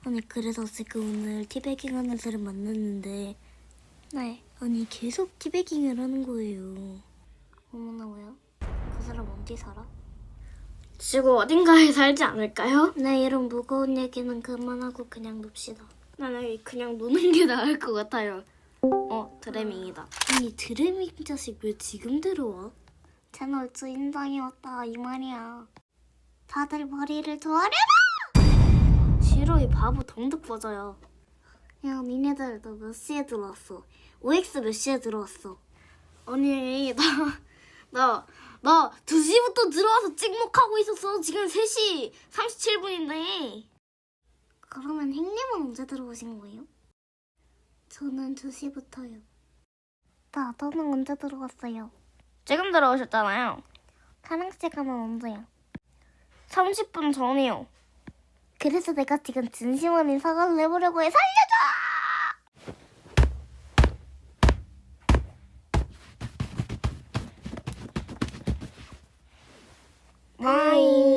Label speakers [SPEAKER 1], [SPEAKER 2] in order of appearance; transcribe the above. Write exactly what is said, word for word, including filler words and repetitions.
[SPEAKER 1] 아니 그래서 지금 오늘 티베깅 하는 사람 만났는데 네 아니 계속 티베깅을 하는 거예요. 어머나 왜요? 그 사람 어디 살아?
[SPEAKER 2] 지구 어딘가에 살지 않을까요?
[SPEAKER 1] 네 이런 무거운 얘기는 그만하고 그냥 놉시다.
[SPEAKER 2] 나는 그냥 노는 게 나을 것 같아요. 어, 드레밍이다.
[SPEAKER 1] 아니 드레밍 자식 왜 지금 들어와? 채널 주인장이 왔다 이 말이야. 다들 머리를 조아려라!
[SPEAKER 2] 싫어, 이 바보 덩득 버져요.
[SPEAKER 1] 야 니네들 너 몇 시에 들어왔어? 오엑스 몇 시에 들어왔어?
[SPEAKER 2] 아니, 나, 나, 나 두 시부터 들어와서 찍목하고 있었어. 지금 세 시 삼십칠 분인데.
[SPEAKER 1] 그러면 행님은 언제 들어오신 거예요? 저는 두 시부터요. 나 너는 언제 들어왔어요?
[SPEAKER 2] 지금 들어오셨잖아요.
[SPEAKER 1] 사랑씨 가면 언제요?
[SPEAKER 2] 삼십 분 전이요.
[SPEAKER 1] 그래서 내가 지금 진심 어린 사과를 해보려고 해. 살려줘!
[SPEAKER 2] 바이.